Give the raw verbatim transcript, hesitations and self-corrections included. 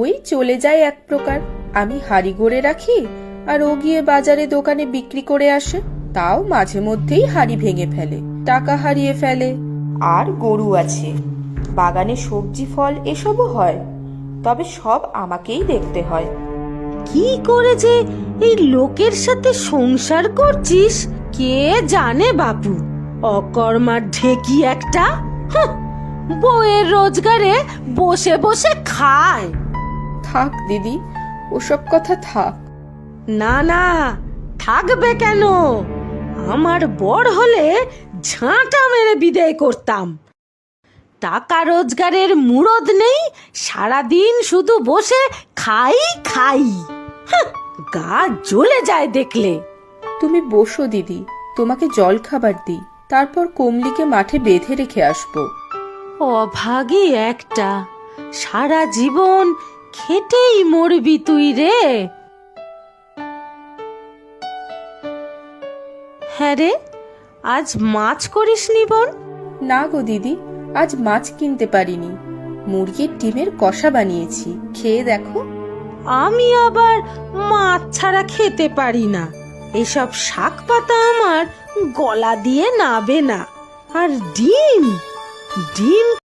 ওই চলে যায় এক প্রকার। আমি হাড়ি গড়ে রাখি, আর ও গিয়ে বাজারে দোকানে বিক্রি করে আসে। তাও মাঝে মধ্যেই হাড়ি ভেঙে ফেলে, টাকা হারিয়ে ফেলে। আর গরু আছে, বাগানে সবজি ফল এসবও হয়, তবে সব আমাকেই দেখতে হয়। কি করে যে এই লোকের সাথে সংসার করছিস কে জানে বাপু। অকর্মার ঢেকি একটা, হাহ, বউয়ের রোজগারে বসে বসে খায়। থাক দিদি, ওসব কথা থাক। না না, থাকবে কেন? আমার বর হলে ঝাঁটা মেরে বিদায় করতাম। টাকা রোজগারের মুরদ নেই, সারাদিন শুধু বসে খাই খাই। হাহ, গা জ্বলে যায় দেখলে। তুমি বসো দিদি, তোমাকে জল খাবার দিই, তারপর কমলিকে মাঠে বেঁধে রেখে আসবো। অভাগী একটা, সারা জীবন খেটেই মরবি তুই রে। হ্যাঁ রে, আজ মাছ করিসনি বোন? না গো দিদি, আজ মাছ কিনতে পারিনি। মুরগির ডিমের কষা বানিয়েছি, খেয়ে দেখো। আমি আবার মাছ ছাড়া খেতে পারি না। এসব শাক পাতা আমার গলা দিয়ে নাবে না। আর ডিম, ডিম